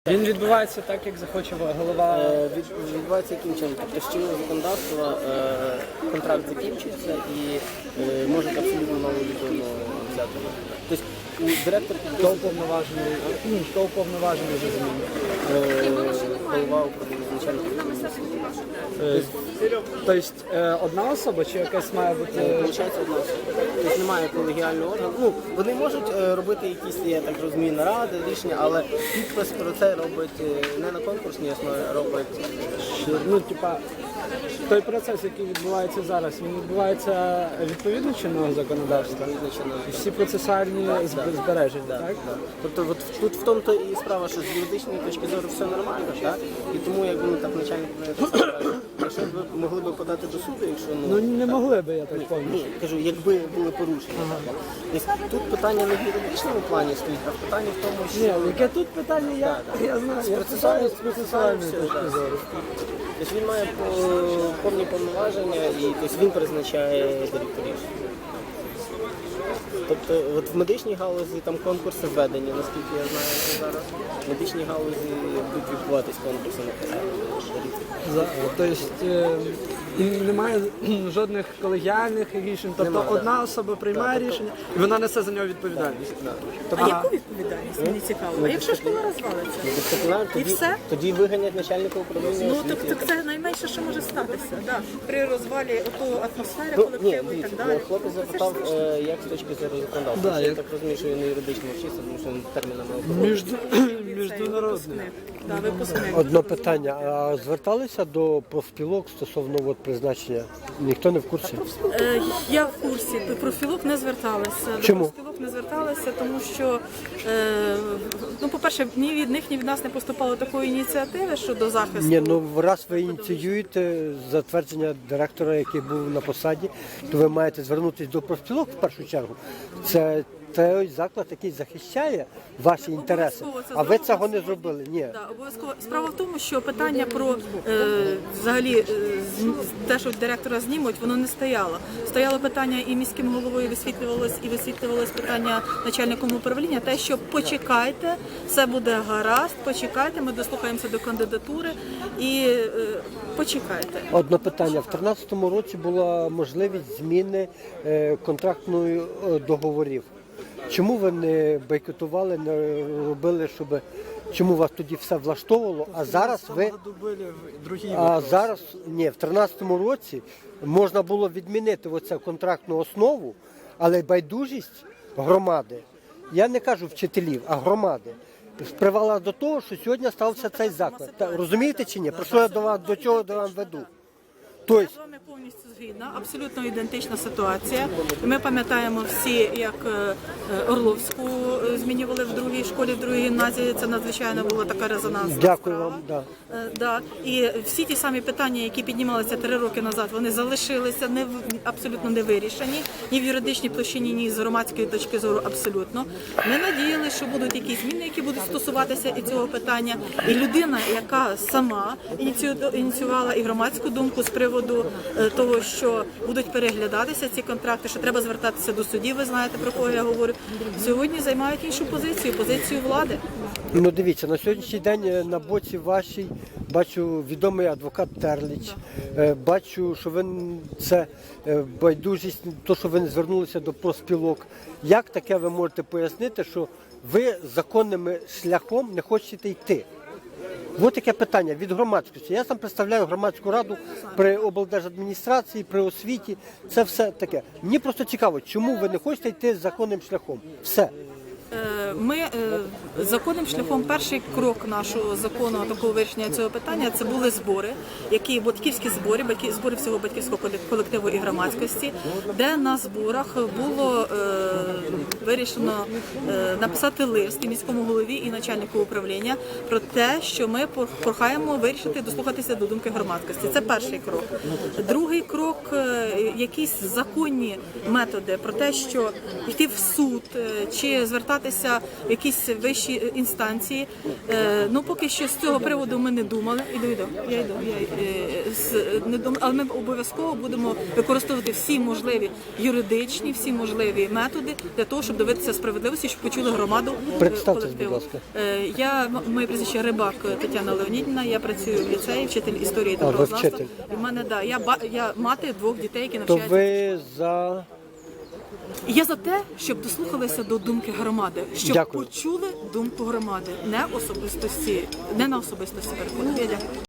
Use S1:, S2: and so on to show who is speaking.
S1: Він відбувається так, як захоче голова.
S2: Відбувається яким чином? Тобто з чинного законодавства контракт закінчується і можуть абсолютно нову людину взяти. Тобто директор
S1: Хто уповноважений вже змінив?
S2: голова управління, начальник управління.
S1: Тобто одна особа чи якась має бути?
S2: Получається одна особа. Тобто немає колегіального органу. Ну, вони можуть робити якісь, я так розумію, наради, рішення, але підпис про це робить не на конкурсній основі, а робить...
S1: Ну, типа, той процес, який відбувається зараз, він відбувається відповідно чинного законодавства? І всі процесуальні збереження, так?
S2: Тобто от тут в тому-то і справа, що з юридичної точки зору все нормально, так? І тому, як так начальник якщо б ви могли б подати до суду, якщо...
S1: Ну не могли би, я так пам'ятаю.
S2: Ні, кажу, якби були порушення. Тобто, тут питання не в юридичному плані стоїть, а питання в тому, що...
S1: Ні, яке тут питання, я знаю, я питаю з процесуальної точки зору.
S2: Тобто він має повні повноваження і тобто, він призначає директорів. Тобто от в медичній галузі там конкурси введені, наскільки я знаю зараз. В медичній галузі будуть відбуватись конкурси на посаду.
S1: Тобто немає жодних колегіальних рішень, тобто одна особа приймає рішення і вона несе за нього відповідальність.
S3: А яку відповідальність? Мені цікаво. А якщо школа розвалиться? І все?
S2: Тоді виганять начальника управління
S3: Ну,
S2: освіти.
S3: тобто це найменше, що може статися. Да. При розвалі атмосфери, колективу і так далі.
S2: Хлопець запитав, як з точки зору законодавства. Я так розумію, що він не юридично вчився, тому що він термінами
S1: Міжнародний.
S3: Да, випускник.
S4: Одне питання. А зверталися до профспілок стосовно призначення? Ніхто не в курсі?
S3: Я в курсі. Профспілок не зверталися.
S4: Чому?
S3: До профспілок не зверталися, тому що, ну, по-перше, ні від них, ні від нас не поступало такої ініціативи щодо захисту.
S4: Ні, ну раз ви ініціюєте затвердження директора, який був на посаді, то ви маєте звернутися до профспілок в першу чергу. Це той заклад, який захищає ваші інтереси, а ви цього не зробили. Ні.
S3: Да, обов'язково. Справа в тому, що питання про взагалі те, що директора знімуть, воно не стояло. Стояло питання і міським головою висвітлювалось питання начальником управління, те, що почекайте, все буде гаразд, почекайте, ми дослухаємося до кандидатури і почекайте.
S4: Одне питання. В 2013 році була можливість зміни контрактної договорів. Чому ви не бойкотували, не робили, щоб чому вас тоді все влаштовувало, а зараз ви в 2013 році можна було відмінити оцю контрактну основу, але байдужість громади, я не кажу вчителів, а громади, привела до того, що сьогодні стався цей заклад. Розумієте чи ні? Про що я до чого до вам веду?
S3: Я з вами повністю згідна, абсолютно ідентична ситуація. Ми пам'ятаємо всі, як Орловську змінювали в другій школі, в другій гімназії. Це надзвичайно була така резонансна
S4: Дякую
S3: справа.
S4: вам. Да.
S3: І всі ті самі питання, які піднімалися 3 роки назад, вони залишилися абсолютно не вирішені. Ні в юридичній площині, ні з громадської точки зору абсолютно. Ми надіялися, що будуть якісь зміни, які будуть стосуватися і цього питання. І людина, яка сама ініціювала і громадську думку з приводу того, що будуть переглядатися ці контракти, що треба звертатися до судів, ви знаєте, про кого я говорю, сьогодні займають іншу позицію влади.
S4: Ну дивіться, на сьогоднішній день на боці вашій бачу відомий адвокат Терліч, бачу, що ви це байдужість, то, що ви не звернулися до профспілок. Як таке ви можете пояснити, що ви законним шляхом не хочете йти? Ось таке питання від громадськості. Я сам представляю громадську раду при облдержадміністрації, при освіті. Це все таке. Мені просто цікаво, чому ви не хочете йти законним шляхом? Все.
S3: Ми законним шляхом, перший крок нашого закону такого вирішення цього питання, це були збори, батьківські збори, збори всього батьківського колективу і громадськості, де на зборах було вирішено написати лист і міському голові, і начальнику управління про те, що ми прохаємо вирішити, дослухатися до думки громадськості. Це перший крок. Другий крок – якісь законні методи про те, що йти в суд чи звертатися звертатися в якісь вищі інстанції. Ну, поки що з цього приводу ми не думали. Не думали, але ми обов'язково будемо використовувати всі можливі юридичні, всі можливі методи для того, щоб добитися справедливості, щоб почули громаду.
S4: Представтесь,
S3: колективу.
S4: будь ласка.
S3: Моє прізвище Рибак Тетяна Леонідівна, я працюю в ліцеї, вчитель історії та
S4: ви
S3: правознавства.
S4: вчитель.
S3: І в мене, я мати 2 дітей, які
S4: То
S3: навчаються.
S4: ви за...
S3: Я за те, щоб дослухалися до думки громади, щоб
S4: Дякую.
S3: почули думку громади, не на особистості переходу. Я дякую.